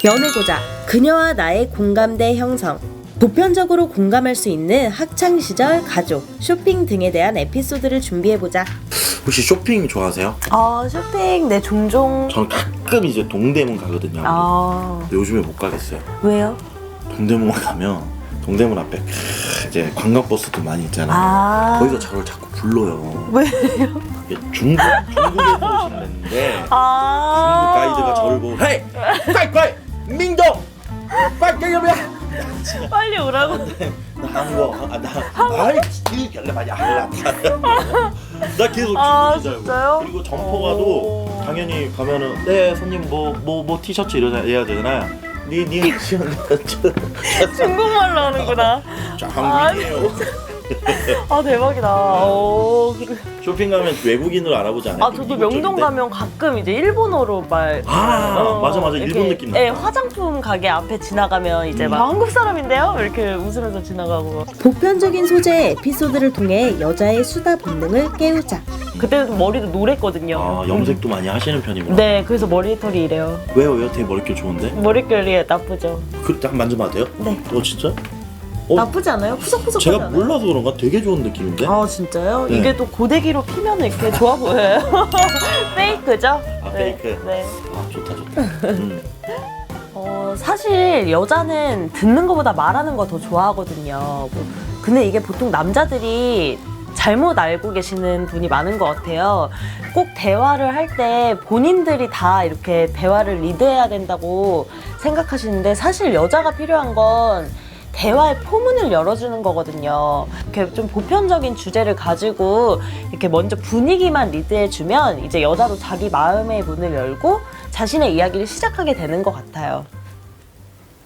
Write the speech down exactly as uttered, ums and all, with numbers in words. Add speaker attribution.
Speaker 1: 연애고자, 그녀와 나의 공감대 형성. 보편적으로 공감할 수 있는 학창시절, 가족, 쇼핑 등에 대한 에피소드를 준비해보자.
Speaker 2: 혹시 쇼핑 좋아하세요?
Speaker 1: 아, 쇼핑 네 종종.
Speaker 2: 저는 가끔 이제 동대문 가거든요.
Speaker 1: 아,
Speaker 2: 근데 요즘에 못 가겠어요.
Speaker 1: 왜요?
Speaker 2: 동대문 가면 동대문 앞에 크, 이제 관광버스도 많이 있잖아요.
Speaker 1: 아,
Speaker 2: 거기서 저를 자꾸 불러요.
Speaker 1: 왜요?
Speaker 2: 이게 중국 중국에서 오신다는데
Speaker 1: 아,
Speaker 2: 중국 가이드가 저를 보고 헤이! 꽈이꽈이! 민동! 꽈이꽈이야!
Speaker 1: 빨리 오라고.
Speaker 2: 나 한국 아, 나 아이 이 결례 많이 알라. 나 계속
Speaker 1: 아,
Speaker 2: 중국인 줄 알고.
Speaker 1: 진짜요?
Speaker 2: 그리고 점포가도
Speaker 1: 오.
Speaker 2: 당연히 가면은 네 손님 뭐 뭐 뭐 티셔츠 이러자 해야 되잖아요. 니니
Speaker 1: 중국말로 하는구나.
Speaker 2: 한국이에요.
Speaker 1: 아, 대박이다. 오, 그래.
Speaker 2: 쇼핑 가면 외국인으로 알아보지 않아요?
Speaker 1: 아, 저도 명동 가면 가끔 이제 일본어로 말.
Speaker 2: 아 맞아 맞아
Speaker 1: 이렇게,
Speaker 2: 일본 느낌
Speaker 1: 예,
Speaker 2: 난다.
Speaker 1: 화장품 가게 앞에 지나가면 이제 막 한국 사람인데요? 이렇게 웃으면서 지나가고.
Speaker 3: 보편적인 소재의 에피소드를 통해 여자의 수다 본능을 깨우자.
Speaker 1: 그때는 머리도 노랬거든요.
Speaker 2: 아 염색도 많이 하시는 편이구나.
Speaker 1: 네, 그래서 머리털이 이래요.
Speaker 2: 왜요 왜요? 되게 머릿결 좋은데?
Speaker 1: 머릿결이 나쁘죠.
Speaker 2: 그때 한 만져봐도 돼요?
Speaker 1: 네.
Speaker 2: 어 진짜? 어,
Speaker 1: 나쁘지 않아요? 푸석푸석하지
Speaker 2: 제가
Speaker 1: 않아요?
Speaker 2: 몰라서 그런가 되게 좋은 느낌인데?
Speaker 1: 아, 진짜요?
Speaker 2: 네.
Speaker 1: 이게 또 고데기로 피면 이렇게 좋아 보여요. 페이크죠?
Speaker 2: 아
Speaker 1: 네,
Speaker 2: 페이크?
Speaker 1: 네.
Speaker 2: 아 좋다 좋다. 음.
Speaker 1: 어, 사실 여자는 듣는 것보다 말하는 거 더 좋아하거든요. 뭐, 근데 이게 보통 남자들이 잘못 알고 계시는 분이 많은 것 같아요. 꼭 대화를 할 때 본인들이 다 이렇게 대화를 리드해야 된다고 생각하시는데 사실 여자가 필요한 건 대화의 포문을 열어주는 거거든요. 이렇게 좀 보편적인 주제를 가지고 이렇게 먼저 분위기만 리드해주면 이제 여자도 자기 마음의 문을 열고 자신의 이야기를 시작하게 되는 것 같아요.